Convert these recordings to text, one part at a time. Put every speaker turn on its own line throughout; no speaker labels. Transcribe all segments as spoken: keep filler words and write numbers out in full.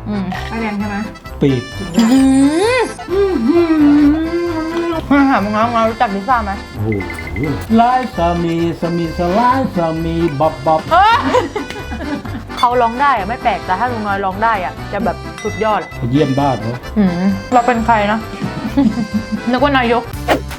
อืมไฟแดงใช่ไหม
ปีก
มาหามึงน้องเรารู้จักลิซ่าไหม
โอ้โหลายสามีสามีสลายสามีบับบับ
เขาร้องได้อะไม่แปลกแต่ถ้าลุงน้อยร้องได้อะจะแบบสุดยอดอะ
เยี่ยมบ้านเนาะ
เราเป็นใครนะ นึกว่านายก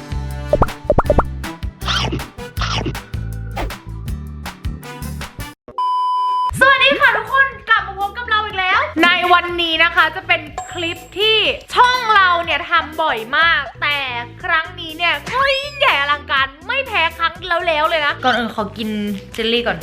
สวัสดีค่ะทุกคนกลับมาพบกับเราอีกแล้วในวันนี้นะคะจะเป็นคลิปที่ช่องเราเนี่ยทำบ่อยมากแต่ครั้งนี้เนี่ยก็ยิ่งใหญ่อลังการไม่แพ้ครั้งแล้วๆเลยนะก่อนอื่นขอกินเจลลี่ก่อน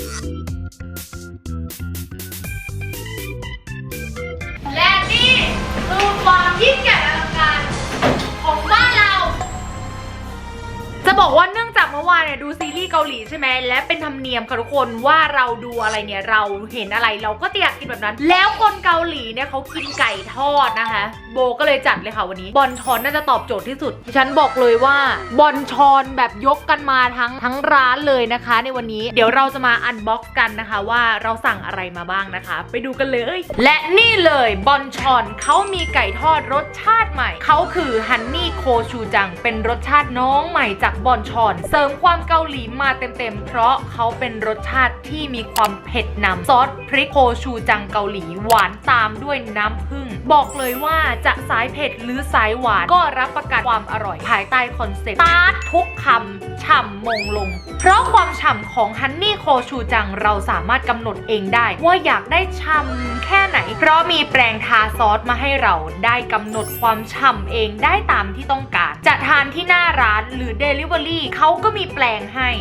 และนี่คือความยิ่งใหญ่อลังการของบ้านเราจะบอกว่าเนื่องจากเมื่อวานเนี่ยดูซีรีส์เกาหลีใช่ไหมและเป็นธรรมเนียมค่ะทุกคนว่าเราดูอะไรเนี่ยเราเห็นอะไรเราก็จะอยากกินแบบนั้นแล้วคนเกาหลีเนี่ยเขากินไก่ทอดนะคะโบก็เลยจัดเลยค่ะวันนี้บอนชอนน่าจะตอบโจทย์ที่สุดฉันบอกเลยว่าบอนชอนแบบยกกันมาทั้งทั้งร้านเลยนะคะในวันนี้เดี๋ยวเราจะมาอันบ็อกซ์กันนะคะว่าเราสั่งอะไรมาบ้างนะคะไปดูกันเลยและนี่เลยบอนชอนเขามีไก่ทอดรสชาติใหม่เขาคือฮันนี่โคชูจังเป็นรสชาติน้องใหม่จากบอนชอนเสริมความเกาหลีมาเต็มๆเพราะเขาเป็นรสชาติที่มีความเผ็ดนำซอสพริกโคชูจังเกาหลีหวานตามด้วยน้ำผึ้งบอกเลยว่าจะสายเผ็ดหรือสายหวานก็รับประกันความอร่อยภายใต้คอนเซ็ปต์ตาร์ททุกคำฉ่ำมงลงเพราะความฉ่ำของฮันนี่โคชูจังเราสามารถกำหนดเองได้ว่าอยากได้ฉ่ำแค่ไหนเพราะมีแปรงทาซอสมาให้เราได้กำหนดความฉ่ำเองได้ตามที่ต้องการจะทานที่หน้าร้านหรือ Delivery เขาก็มีแปลงให้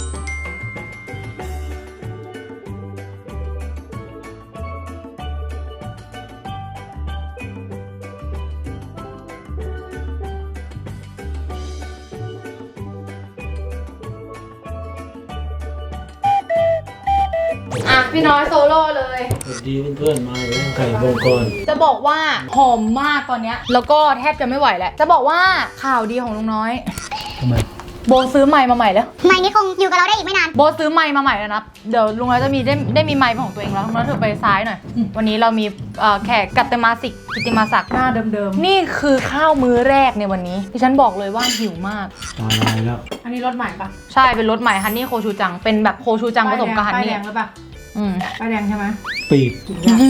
อ่ะพี่น้อยโซโล่เลย
สวัสดีเพื่อนๆมาแล้วไก่วงกร
จะบอกว่าหอมมากตอนเนี้ยแล้วก็แทบจะไม่ไหวแล้วจะบอกว่าข่าวดีของลุงน้อย
ทำไม
โบซื้อไมค์มาใหม่แล้ว
ไมค์นี้คงอยู่กับเราได้อีกไม่นาน
โบซื้อไมค์มาใหม่แล้วนะเดี๋ยวลุงน้อยจะมีได้ได้มีไมค์ของตัวเองแล้วลุงน้อยเธอไปซ้ายหน่อยวันนี้เรามีแขกกัตเตมาสิกกิติมาศักดิ์หน้าเดิมๆนี่คือข้าวมื้อแรกในวันนี้ที่ฉันบอกเลยว่าหิวมาก
ตายแล้ว
อันนี้รสใหม่ปะใช่เป็นรสใหม่ฮันนี่โคชูจังเป็นแบบโคชูจังผสมกับฮันนี่
ป้ายแดงหรือเปล่า
อืม
ป้ายแดงใช่ไหม
ปีก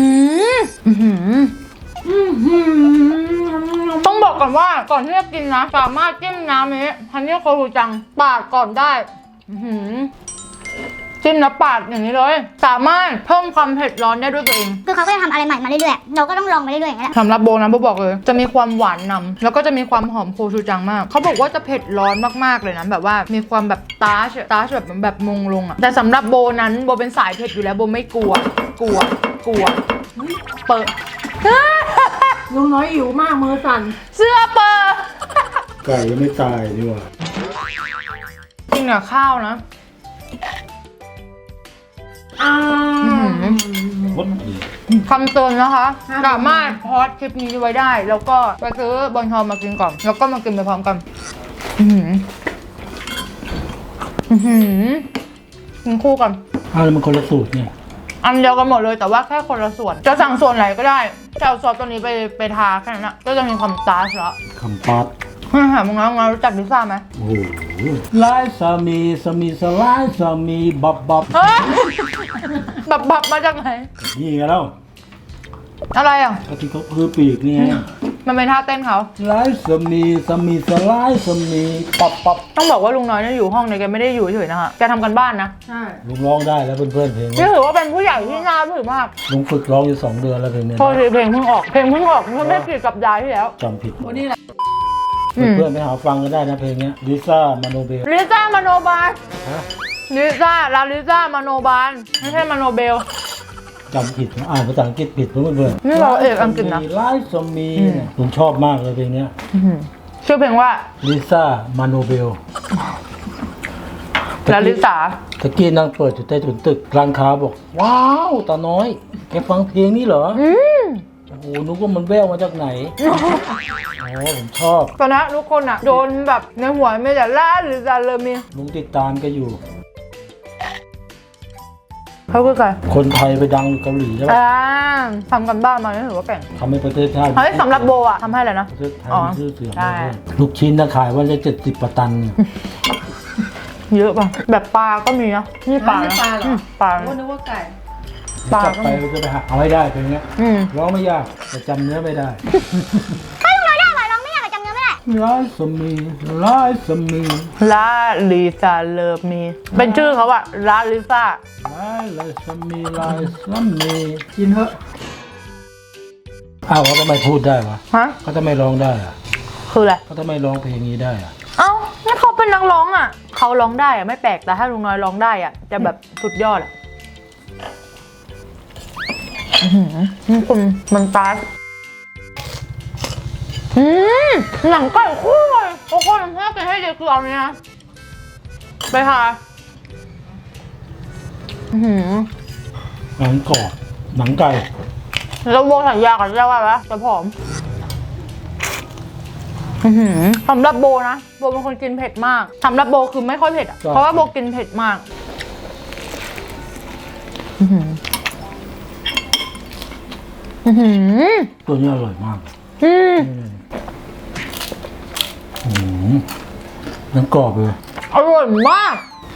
ต้องบอกก่อนว่าก่อนที่จะกินนะสามารถจิ้มน้ำนี้ฮันนี่โคชูจังปาดก่อนได้จิ้มแล้วปาดอย่างนี้เลยสามารถเพิ่มความเผ็ดร้อนได้ด้วยตัวเอง
คือเขาก็จะทำอะไรใหม่มาเรื่อยๆเราก็ต้องลองไปเรื่อยๆอย่างนี้แหละ
สำหรับโบนะโบบอกเลยจะมีความหวานนำแล้วก็จะมีความหอมโคชูจังมากเขาบอกว่าจะเผ็ดร้อนมากๆเลยนะแบบว่ามีความแบบตาชตาชแบบแบบมงลงอ่ะแต่สำหรับโบนั้นโบเป็นสายเผ็ดอยู่แล้วโบไม่กลัวกลัวกลัวเปิด
ลุงน้อยหิวมากมือสั่น
เสื้อเปิด
ไก่ยังไม่ตายดีกว่า
จริงเนี่ยข้าวนะคำเตือนนะคะสามารถพอดคลิปนี้ไว้ได้แล้วก็ไปซื้อบอนชอนมากินก่อนแล้วก็มากินไปพร้อมกันอือหืออือหือกินคู่กัน
อ้าวแล้วมันคนละสูตรเนี่ย
อันเดียวกันหมดเลยแต่ว่าแค่คนละส่วนจะสั่งส่วนไหนก็ได้จะเอาซอสตัวนี้ไปไปทาแค่นั้นนะก็จะมีความตาชละ
คำปัด
หามึงน้องเรารู้จักลิซ่าไหม
โอ้โหลายสามีสามีสลายสามีบับบับ
บับบับมาจากไหน
นี่ไงแล้ว
อะไรอ่ะ
ก็ที่เขาคือปีกนี่ไง
มันเป็นท่าเต้นเขา
ลายสามีสามีสลายสามีปับปับ
ต้องบอกว่าลุงน้อยเนี่ยอยู่ห้องเนี่ยแกไม่ได้อยู่เฉยๆนะคะแกทำกันบ้านนะ
ใช่
ลุงร้องได้แล้วเพื่อนๆเพลง
นี่ถือว่าเป็นผู้ใหญ่ที่น่าถือมาก
ลุงฝึกร้องอยู่สองเดือนแล้วเพลงนี้
พอเพลงเพิ่งออกเพลงเพิ่งออกเมื่อไม่กี่สัปดาห์ที่แล้ว
จำผิด
วันนี้แหละ
เพื่อนๆไปหาฟังกันได้นะเพลงนี้ลิซ่ามาโนเบล
ลิซ่ามาโนบาลลิซ่าลาลิซ่ามาโนบาลไม่ใช่มาโนเบล
จำผิดอ่านภาษาอังกฤษผิดเพื่อน
ๆนี่เราเอกอังกฤษนะ
ไลฟ์สมีผมชอบมากเลยเพลงนี้
ชื่อเพลงว่า
ลิซ่ามาโนเบล
ลาลิซ่า
ตะกี้นั่งเปิดอยู่ใต้ถุนตึกร้านค้าบอกว้าวตาน้อยแกฟังเพลงนี้เหรอโอ้โหนึกว่ามันแววมาจากไหนอ๋อผมชอบ
ตอนนั้นทุกคนอ่ะโดนแบบในหัวไม่แต่ล่าหรือจะเริ่มมี
ลุงติดตามแกอยู่
เขาคือใคร
คนไทยไปดังอยู่เกาหลีใช่ปะ
อ่าทำกันบ้านมานี่ถือว่าเก่ง
ทำให้ประเทศชาติ
เฮ้ยสำหรับโบอะทำให้อะไรนะ
ประเทศไทย
อ๋อ
มีชื่อเสียง
ใช่
ลูกชิ้นนะขายวันละเจ็ดสิบตันเนี่ย
เยอะป่ะแบบปลาก็มีนะนี่ปลา
ไม่
นะ
ปลาเหรอ
อืมปลา
ว่านึกว่าไก่
ปลา
จับไปก็จะไปหาเอาให้ได้เป็นเงี้ย
อืม
ร้องไม่ยากแต่จำเนื้อไม่ได้
ถ้าลุงน้อยได้อร่อยลองไม่อยากจำเนื้อไม่ได้
ลายสมีลายสมี
ลาลิซาเลิฟมีเป็นชื่อเขาอะลาลิซา
ลายลายสมีลายสมี
กินเถอะ
อ้าวเขาทำไมพูดได้วะ
ฮะ
เขาทำไมร้องได้อะ
คืออะไร
เขาทำไมร้องเพลงนี้ได้อะ
เอ้านี่เขาเป็นนักร้องอะเขาร้องได้อะไม่แปลกแต่ถ้าลุงน้อยร้องได้อะจะแบบสุดยอดอะอื้อหือนี่คุณมันตาสอืมหนังไก่คู่เลยโอ้โหน้ำแค่กินให้เด็กคือเอาเนี้ยไปค่ะอื้อหือ
หนังกรอบหนังไก่
แล้วโบสัญญากับเจ้าว่าไหมจะผอมอื้อหือสำหรับโบนะโบเป็นคนกินเผ็ดมากสำหรับโบคือไม่ค่อยเผ็ดอะเพราะว่าโบกินเผ็ดมากอื้อหืออื้อหือ
ตัวนี้อร่อยมาก
อืม
อืมหนังกรอบเลย
อร่อยมาก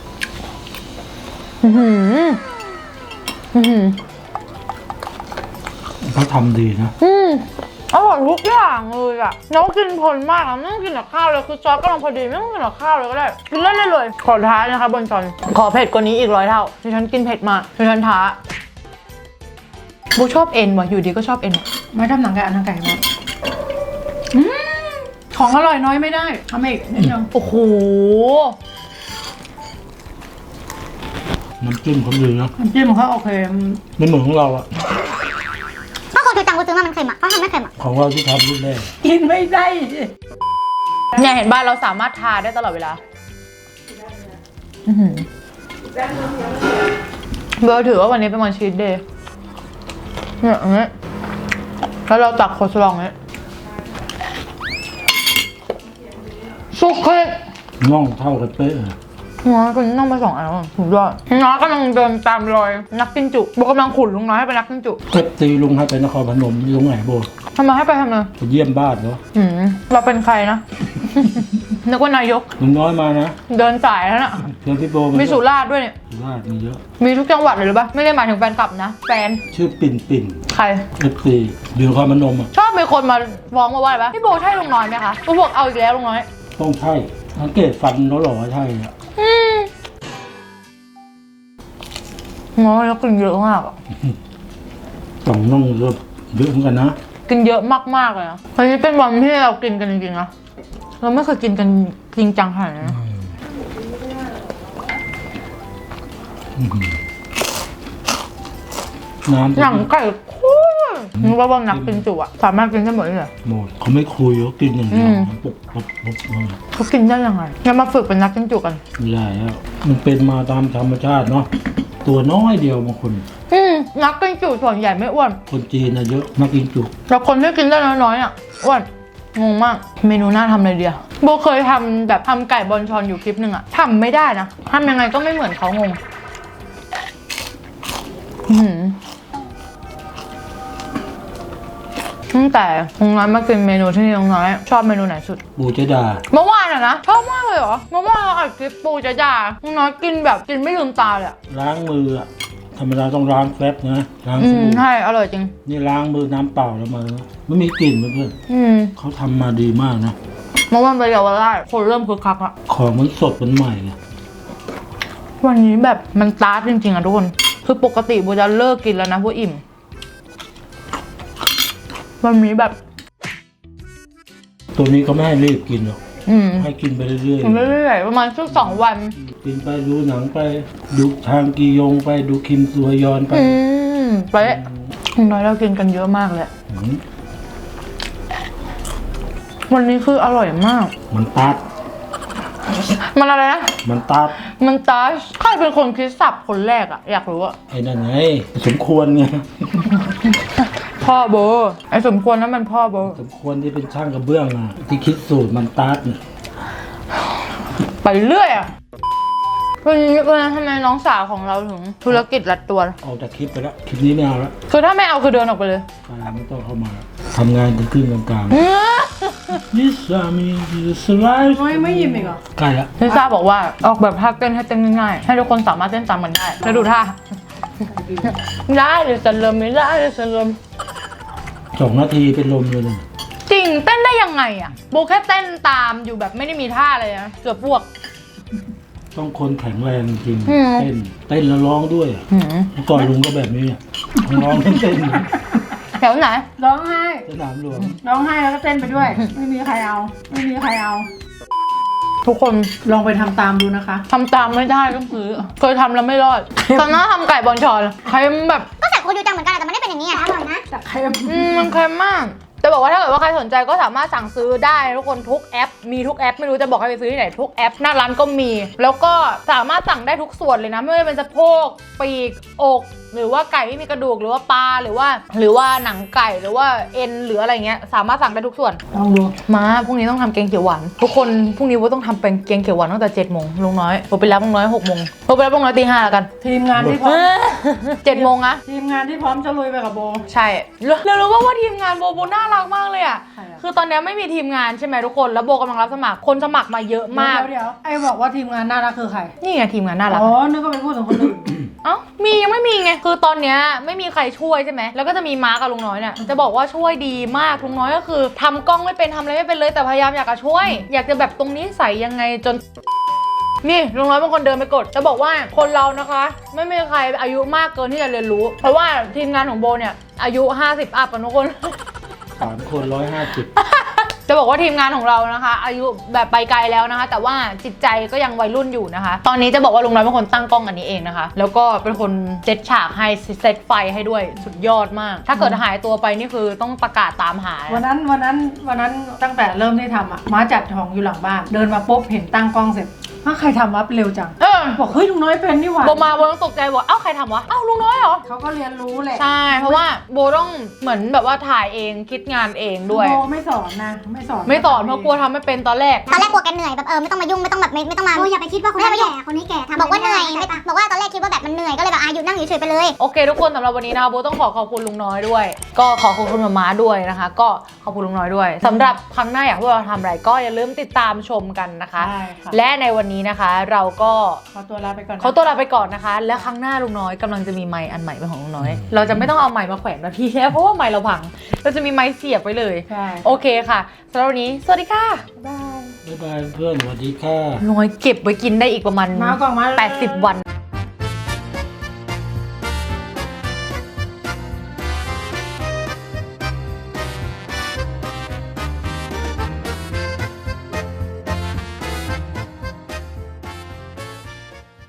อื้อหืออื้อหือ
เขาทำดีนะ
อืมอร่อยทุกอย่างเลยอะแล้วกินเพลินมากอะไม่ต้องกินกับข้าวเลยคือซอสกำลังพอดีไม่ต้องกินกับข้าวเลยก็ได้กินเล่นได้เลยขอท้านะคะบนจอนขอเผ็ดกว่านี้อีกร้อยเท่าที่ฉันกินเผ็ดมากที่ฉันท้าบูชอบเอ็นว่ะอยู่ดีก็ชอบเอ็นว่ะ
ไม่ทำหนังไก่อันหนังไก่มาอืมของอร่อยน้อยไม่ได้ทำอีกนิดนึง
โอ้โห
น้ำจิ้มเขาดีนะ
น้ำจิ้มของเขาโอเค
ไม่เหมือนของเราอะ
ก็คนคือตังกูซื้อมามันเค็มอ่ะเขาทำไม่เค็มอ่ะ
ของเราที่ทำรุ่นแรก
กินไม่ได้สิ
เนี่ยเห็นบ้านเราสามารถทาได้ตลอดเวลาอื้อหือเบลถือว่าวันนี้เป็นวันชีทเดย์เนี่ยอย่างเงี้ยแล้วเราตักโคสลองเนี้ยสุกเค็ด
น่องเท่ากันเป๊ะเลย
น้อยก็นั่งไปสองอันแล้วอะสุดยอดน้อยกำลังเดินตามรอยนักกินจุโบกำลังขุนลุงน้อยให้เป็นนักกินจุ
เอฟตีลุงให้ไปนครพนมอยู่ตรงไหนโบ
ทำไมให้ไปทำไม
ไปเยี่ยมบ้านเนาะ
หืมเราเป็นใครนะ นึกว่านายก
ลุงน้อยมานะ
เดินสายแล้วน่ะ
เชิญพี่โบ
มีสุราษฎร์ด้วยเนี่ย
สุราษฎร์มีเยอะ
มีทุกจังหวัดเลยหรือปะไม่ได้หมายถึงแฟนคลับนะ แฟน
ชื่อปิ่นปิ่น
ใคร
เอฟซีอยู่นครพนมอะ
ชอบมีคนมาฟ้องมาว่าอะไรปะพี่โบใช่ลุงน้อยไหมคะกูบอกเอาอีกแล้วลุงน้อย
ต้องใช่สังเกตฟันเขาหล่อใช่อะ
อืมน้อยแล้วกินเยอะมากอะ
ต้องน่องเยอะเยอะเหมือนกันนะ
กินเยอะมากๆเลยนะวันนี้เป็นวันที่เรากินกันจริงๆนะเราไม่เคยกินกันจริงจังขนาดนี้นะ
น้ำ
หนังไก่คู่นึกว่าบางนักกินจุอะสามารถกินได้หมดเลยเหรอ
หมดเขาไม่คุยเขากินอย่างเดียว
อืม
ปุ๊บปุ๊บปุ๊บปุ๊บ
เขากินได้ยังไงงั้นมาฝึกเป็นนักกินจุกัน
ไม่ได้แล้วมันเป็นมาตามธรรมชาติเนาะตัวน้อยเดียวบางคน
อืมนักกินจุส่วนใหญ่ไม่อ้วน
คนจีนนะเยอะนักกินจุ
แต่คนที่กินได้น้อยๆอ่ะอ้วนงงมาก เมนูน่าทำเลยเดียวโบเคยทำแบบทำไก่บอลชอนอยู่คลิปหนึ่งอ่ะทำไม่ได้นะทำยังไงก็ไม่เหมือนเขางงอื้อหือตั้งแต่ลุงน้อยมากินเมนูที่นี่ลุงน้อยชอบเมนูไหนสุด
ปูเจดา
เมื่อวานอะนะชอบมากเลยเหรอเมื่อวานเราอัดคลิปปูจะจ่าลุงน้อยกินแบบกินไม่ลืมตาเลยอะ
ล้างมืออะธรรมดาต้องล้างแฟบนะล้าง
อื
ส
ม
บู่
ใช่อร่อยจริง
นี่ล้างมือน้ำเปล่าแล้วมาไม่มีกลิ่นเพื่อน
อืม
ๆเขาทำมาดีมากนะ
เมื่อวานไปเยาวราชคนเริ่มคึกคักอะ
ของมันสดมันใหม่ไง
วันนี้แบบมันตาร์ทจริงๆอะทุกคนคือปกติโบจะเลิกกินแล้วนะเพราะอิ่มวันนี้แบบ
ตัวนี้ก็ไม่ให้รีบกินหรอก
อืม
ให้กินไปเรื่อย
กินเรื่อยๆประมาณสักสองวัน
ๆกินไปดูหนังไปดูทางกียงไปดูคิมซัวยอนไป
อืมเป๊ะลุงน้อยเรากินกันเยอะมากเลย
อืม
วันนี้คืออร่อยมาก
มันตัด
มันอะไรนะ
มันตัด
มันตาร์ทใครเป็นคนคิดสับคนแรกอะอยากรู้อะ
ไอ้นั่นไงสมควรไง
พ่อโบไอ้สมควรนั้นมันพ่อโบ
สมควรที่เป็นช่างกระเบื้องอ่ะที่คิดสูตรมันตัดเนี่ย
ไปเรื่อยอะ
วันนี้วันนั้นทำไมน้องสาวของเราถึงธุรกิจรัดตัว
ออกจากคลิปไปแล้วคลิปนี้ไม่เอาแล้ว
คือถ้าไม่เอาคือเดินออกไปเลย
อ่าไม่ต้องเข้ามาทำงานถึงครึ่งกลางๆ This army is alive
ไม่ไม่ยิ้มอีกเหรอ
ใกล้ละ
ลิซ่าบอกว่าออกแบบท่าเต้นให้เต้นง่ายๆให้ทุกคนสามารถเต้นตามมันได้แล้วดูท่าได้หรือจะเริ่มไม่ได้หรือจะเริ่ม
สองนาทีเป็นลมเลยเนี่ย
จริงเต้นได้ยังไงอ่ะโบแค่เต้นตามอยู่แบบไม่ได้มีท่าอะไรนะเกือบพวก
ต้องคนแข็งแรงจริง
อืม
เต้นเต้นแล้วร้องด้วยอะ
หืม
เมื่อก่อนลุงก็แบบนี้อะร้องเต้น
แถวไหน
ร้องไห้
สนามหลวง
ร้องไห้แล้วก็เต้นไปด้วย ไม่มีใครเอา ไม่มีใครเอา
ทุกคน
ลองไปทำตามดูนะคะ
ทำตามไม่ได้ต้องซื้อเคยทำแล้วไม่รอด ตอนนั้นทำไก่บอลชอนเค็มแบบ
ก็ใส่โคจูจังเหมือนกันแต่มันไม่ได้เป็นอย่างนี้อ่ะอร่อยนะ
แต่ใคร
อืมมันเค็มมากจะบอกว่าถ้าเกิดว่าใครสนใจก็สามารถสั่งซื้อได้ทุกคนทุกแอป มีทุกแอปไม่รู้จะบอกให้ไปซื้อที่ไหนทุกแอปหน้าร้านก็มี แล้วก็สามารถสั่งได้ทุกส่วนเลยนะไม่ว่าจะเป็นสะโพกปีกอก หรือว่าไก่ไม่มีกระดูกหรือว่าปลาหรือว่า หรือว่าหนังไก่หรือว่าเอ็นหรืออะไรเงี้ยสามารถสั่งได้ทุกส่วน
ลองดู
มาพรุ่งนี้ต้องทำแกงเขียวหวานทุกคนพรุ่งนี้ว่าต้องทำเป็นแกงเขียวหวานตั้งแต่เจ็ดโมงลุงน้อยผมไปรับลุงน้อยหกโมงผมไปรับลุงน้อยตีห้าแล้วกัน
ทีมงานที่พร้อม
เจ็ดโมงอะ
ทีมงานที่พร้อมจะลุยไปกับโบ
ใช่เรารู้ว่าว่าทีมงานโบโบน่ารักมากเลยอะ
ใครอะ
คือตอนนี้ไม่มีทีมงานใช่ไหมทุกคนแล้วโบกำลังรับสมัครคนสมัครมาเยอะมาก
เดี๋ยวเดี๋ยวไอ้บอกว่าทีมงานน่ารักคือใคร
นี่ไงทีมงานน่ารัก
อ๋อ นึกว่าไปพูดถึงคนอื่น
เอ้ามียังไม่มีไงคือตอนเนี้ยไม่มีใครช่วยใช่ไหมแล้วก็จะมีม้ากับลุงน้อยเนี่ยจะบอกว่าช่วยดีมากลุงน้อยก็คือทำกล้องไม่เป็นทำอะไรไม่เป็นเลยแต่พยายามอยากจะช่วย อยากจะแบบตรงนี้ใส่ยังไงจน นี่ลุงน้อยเป็นคนเดินไปกดจะบอกว่าคนเรานะคะ ไม่มีใครอายุมากเกินที่จะเรียนรู้ เพราะว่าทีมงานของโบเนี่ยอายุห้าสิบอัพกันทุกคน
สามคนร้อยห้าสิบ
จะบอกว่าทีมงานของเรานะคะ อายุแบบไปไกลแล้วนะคะ แต่ว่าจิตใจก็ยังวัยรุ่นอยู่นะคะ ตอนนี้จะบอกว่าลุงน้อยเป็นคนตั้งกล้องอันนี้เองนะคะ แล้วก็เป็นคนเซตฉากให้เซตไฟให้ด้วยสุดยอดมาก ถ้าเกิดหายตัวไปนี่คือต้องประกาศตามหา
วันนั้นวันนั้นวันนั้นตั้งแต่เริ่มที่ทำอ่ะ ม้าจัดของอยู่หลังบ้าน เดินมาปุ๊บเห็นตั้งกล้องเสร็จอ้าวใครทำวับเร็วจัง
เออ
บอกเฮ้ยลุงน้อยเป็นนี่หว่า
โบมาโบต้องตกใจบอกเอ้าใครทำวะเอ้าลุงน้อยเหรอ
เขาก็เรียนรู้แหละ
ใช่เพราะว่าโบต้องเหมือนแบบว่าถ่ายเองคิดงานเองด้วย
โบไม่สอนนะ ไม่สอน
ไม่สอนเพราะกลัวทำไม่เป็นตอนแรก
ตอนแรกกลัวแกเหนื่อยแบบเออไม่ต้องมายุ่งไม่ต้องแบบไม่ไม่ต้องมาโอ้อย่าไปคิดว่าคนนี้แก่คนนี้แก่บอกว่าเหนื่อยไม่บอกว่าตอนแรกคิดว่าแบบมันเหนื่อยก็เลยแบบอายุนั่งอยู่เฉยไปเลย
โอเคทุกคนสำหรับวันนี้นะคะโบต้องขอขอบคุณลุงน้อยด้วย ก็ขอขอบคุณมาม่าด้วยนะคะ ก็ขอบคุณลุงน้อยด้วยสำหรับครั้งหน้าอยากให้พวกเราทำอะไรก็อย่าลืมติดตามชมกันนะคะ
ใช่ค่ะ
และในวันนี้นะคะเราก็
ขอตัวลาไปก่อนนะ
เขาตัวลาไปก่อนนะคะ และครั้งหน้าลุงน้อยกำลังจะมีไมค์อันใหม่เป็นของลุงน้อย เราจะไม่ต้องเอาไมค์มาแขวนแบบพี่แค่เพราะว่าไมค์เราพังเราจะมีไมค์เสียบไว้เลย
ใช่
โอเคค่ะสำหรับวันนี้สวัสดีค่ะ
บ๊ายบาย
บ๊ายบายเพื่อนสวัสดีค่ะ
ลุงน้อยเก็บไว้กินได้อีกประมาณ
มาก่อนมา
แปดสิบวัน